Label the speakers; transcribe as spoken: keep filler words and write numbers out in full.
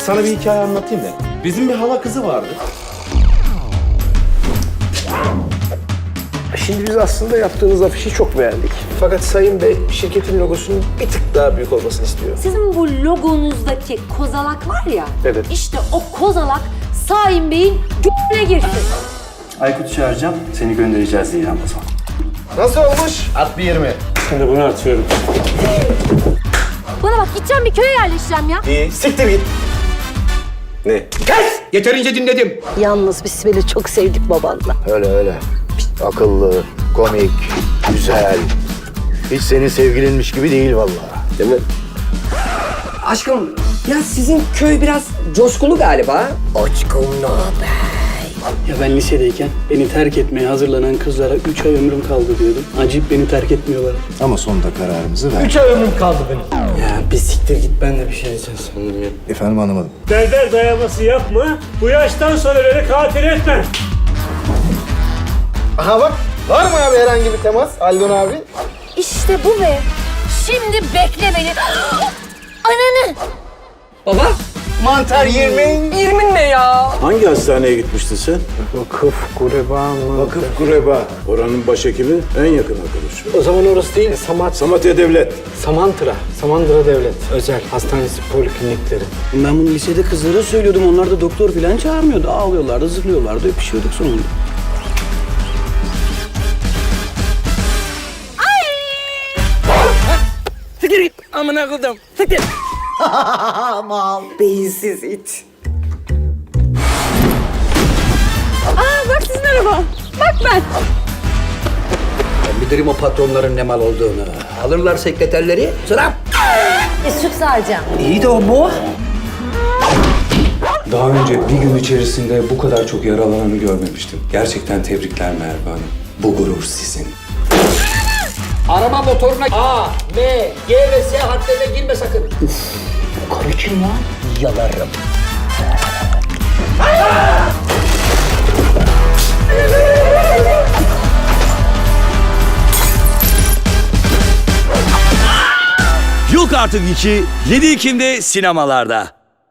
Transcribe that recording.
Speaker 1: sana bir hikaye anlatayım da. Bizim bir hala kızı vardı.
Speaker 2: Şimdi biz aslında yaptığınız afişi çok beğendik. Fakat Sayın Bey şirketin logosunun bir tık daha büyük olmasını istiyor.
Speaker 3: Sizin bu logonuzdaki kozalak var ya,
Speaker 2: Evet.
Speaker 3: işte o kozalak Saim Bey'in g***ne girsin.
Speaker 4: Aykut'u çağıracağım, seni göndereceğiz diye Ramazan.
Speaker 2: Nasıl olmuş? At bir yirmi.
Speaker 4: Şimdi bunu atıyorum.
Speaker 3: Bana bak, gideceğim bir köye yerleşeceğim ya.
Speaker 2: İyi, siktir git. Ne?
Speaker 1: Kes! Yeterince dinledim.
Speaker 5: Yalnız biz Sibel'i çok sevdik babanla.
Speaker 6: Öyle öyle. Akıllı, komik, güzel. Hiç senin sevgilinmiş gibi değil vallahi.
Speaker 2: Değil mi?
Speaker 7: Aşkım, ya sizin köy biraz coşkulu galiba.
Speaker 4: Ya ben lisedeyken beni terk etmeye hazırlanan kızlara üç ay ömrüm kaldı diyordum. Acayip beni terk etmiyorlar.
Speaker 6: Ama sonunda kararımızı ver.
Speaker 2: Üç ay ömrüm kaldı benim.
Speaker 4: Ya bir siktir git, ben de bir şey diyeceğim sandım ya.
Speaker 6: Efendim anlamadım.
Speaker 8: Berber dayaması yapma. Bu yaştan sonra beni katil etme.
Speaker 2: Aha bak, var mı abi herhangi bir temas Aldon abi?
Speaker 3: İşte bu be. Şimdi bekle beni. Ananı.
Speaker 7: Baba,
Speaker 2: Mantar yirmi.
Speaker 7: yirmin ne ya?
Speaker 9: Hangi hastaneye gitmiştin sen?
Speaker 2: Vakıf, kureba mı?
Speaker 9: Vakıf Kureba. Oranın başhekimi en yakın arkadaşı.
Speaker 2: O zaman orası değil, Samat,
Speaker 9: Samatya Devlet.
Speaker 2: Samantıra. Samandıra Devlet. Özel hastanesi, poliklinikleri.
Speaker 4: Ben bunu lisede kızlara söylüyordum, onlar da doktor falan çağırmıyordu. Ağlıyorlardı, zırlıyorlardı, öpüşüyorduk sonunda.
Speaker 7: Siktir git, amına koydum. Siktir. Mal. Beyinsiz it.
Speaker 3: Aa, bak sizin araba. Bak ben.
Speaker 7: Bilirim o patronların ne mal olduğunu. Alırlar sekreterleri, sıra.
Speaker 3: E, süt saracağım.
Speaker 7: İyi de o bu.
Speaker 10: Daha önce bir gün içerisinde bu kadar çok yaralananı görmemiştim. Gerçekten tebrikler Merve Hanım. Bu gurur sizin.
Speaker 7: Arama motoruna A, M, G ve S harflerine girme sakın. Uf, karı kim lan? Yalarım.
Speaker 11: Yok Artık iki, yedi Ekim'de sinemalarda.